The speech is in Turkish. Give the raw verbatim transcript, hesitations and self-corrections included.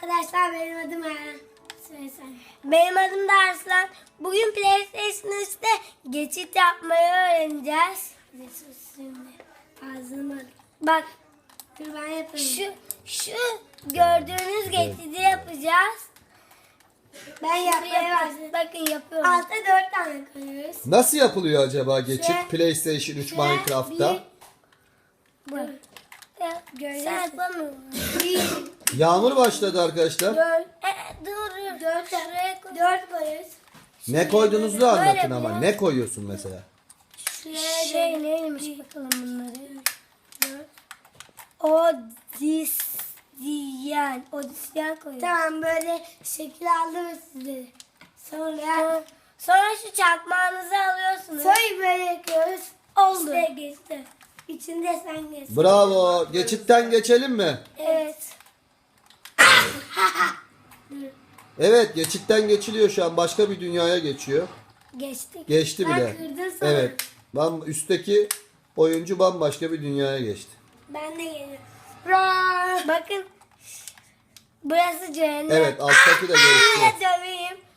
arkadaşlar, benim adım Eren. Söylesen. Benim adım da Arslan. Bugün PlayStation üçte geçit yapmayı öğreneceğiz. Şimdi ağzıma bak. Dur ben yapayım. Şu, şu gördüğünüz geçidi yapacağız. Ben yapmaya başladım. Bakın yapıyorum. Altta dört tane koyuyoruz. Nasıl yapılıyor acaba geçit Şöyle- PlayStation üç şöyle Minecraft'ta? Bu. Sen yapamıyorsun. Yağmur başladı arkadaşlar. Dört. E, dur. Dört. Şuraya koy. Dört koyuyoruz. Ne koyduğunuzu da Böyle anlatın ama. biraz. Ne koyuyorsun mesela? Şuraya şey neymiş bakalım bunları. Dört. Odisyen. Odisyen koyuyoruz. Tamam, böyle şekil aldım size. Sonra sonra şu çakmağınızı alıyorsunuz. Sonra böyle yapıyoruz. Oldu. İşte geçti. İçinde sen geçti. Bravo. Geçitten geçelim mi? Evet. Evet, geçitten geçiliyor şu an. Başka bir dünyaya geçiyor. Geçtik. Geçti Ben bile. kırdım sana. Evet. Bam üstteki oyuncu bambaşka bir dünyaya geçti. Ben de geliyorum. Bakın. Burası cehennem. Evet, alttaki de geçti. Aa, döveyim.